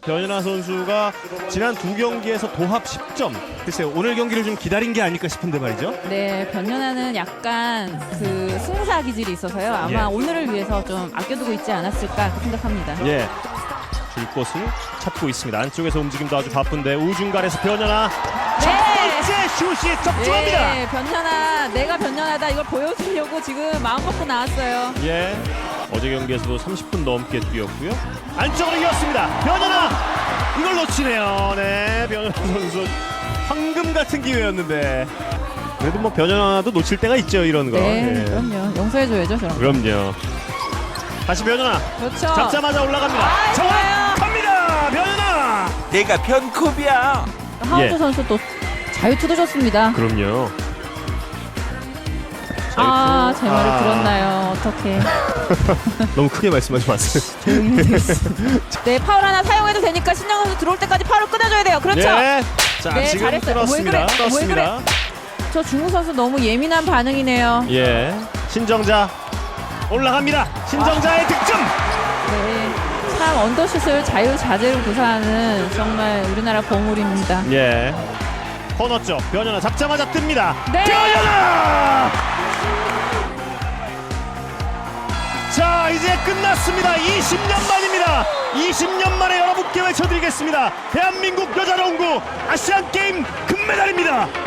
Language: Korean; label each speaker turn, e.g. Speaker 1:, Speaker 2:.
Speaker 1: 변연아 선수가 지난 두 경기에서 도합 10점. 글쎄요, 오늘 경기를 좀 기다린 게 아닐까 싶은데 말이죠.
Speaker 2: 네, 변연아는 약간 그 승사 기질이 있어서요. 아마
Speaker 1: 예.
Speaker 2: 오늘을 위해서 좀 아껴두고 있지 않았을까 생각합니다.
Speaker 1: 예, 줄 곳을 찾고 있습니다. 안쪽에서 움직임도 아주 바쁜데 우중간에서 변연아 첫 번째 슛이 적중합니다.
Speaker 2: 네, 변연아, 내가 변연하다 이걸 보여주려고 지금 마음 먹고 나왔어요.
Speaker 1: 예, 어제 경기에서도 30분 넘게 뛰었고요. 안쪽으로 이었습니다. 변연아 이걸 놓치네요. 네, 변연아 선수 황금 같은 기회였는데 그래도 뭐 변연아도 놓칠 때가 있죠, 이런 거.
Speaker 2: 네,
Speaker 1: 예.
Speaker 2: 그럼요. 용서해줘야죠, 저런 거.
Speaker 1: 그럼요. 다시 변연아
Speaker 2: 그렇죠.
Speaker 1: 잡자마자 올라갑니다.
Speaker 2: 아,
Speaker 1: 정확합니다. 변연아.
Speaker 3: 내가 변컵이야.
Speaker 2: 하은주
Speaker 1: 예.
Speaker 2: 선수 또 자유투도 줬습니다.
Speaker 1: 그럼요.
Speaker 2: 아,
Speaker 1: 자유투.
Speaker 2: 제 말을 들었나요? 어떡해.
Speaker 1: 너무 크게 말씀하지 마세요.
Speaker 2: 네, 파울 하나 사용해도 되니까 신영 선수 들어올 때까지 파울을 끊어줘야 돼요. 그렇죠.
Speaker 1: 네. 자,
Speaker 2: 네,
Speaker 1: 지금
Speaker 2: 잘했어요.
Speaker 1: 끊었습니다.
Speaker 2: 왜 그래?
Speaker 1: 끊었습니다.
Speaker 2: 저 중국 선수 너무 예민한 반응이네요.
Speaker 1: 예. 신정자 올라갑니다. 신정자의 득점.
Speaker 2: 네, 참 언더슛을 자유자재로 구사하는 정말 우리나라 보물입니다.
Speaker 1: 예. 코너 쪽 변연아 잡자마자 뜹니다.
Speaker 2: 네.
Speaker 1: 변연아. 자, 이제 끝났습니다. 20년 만입니다. 20년 만에 여러분께 외쳐드리겠습니다. 대한민국 여자농구 아시안게임 금메달입니다.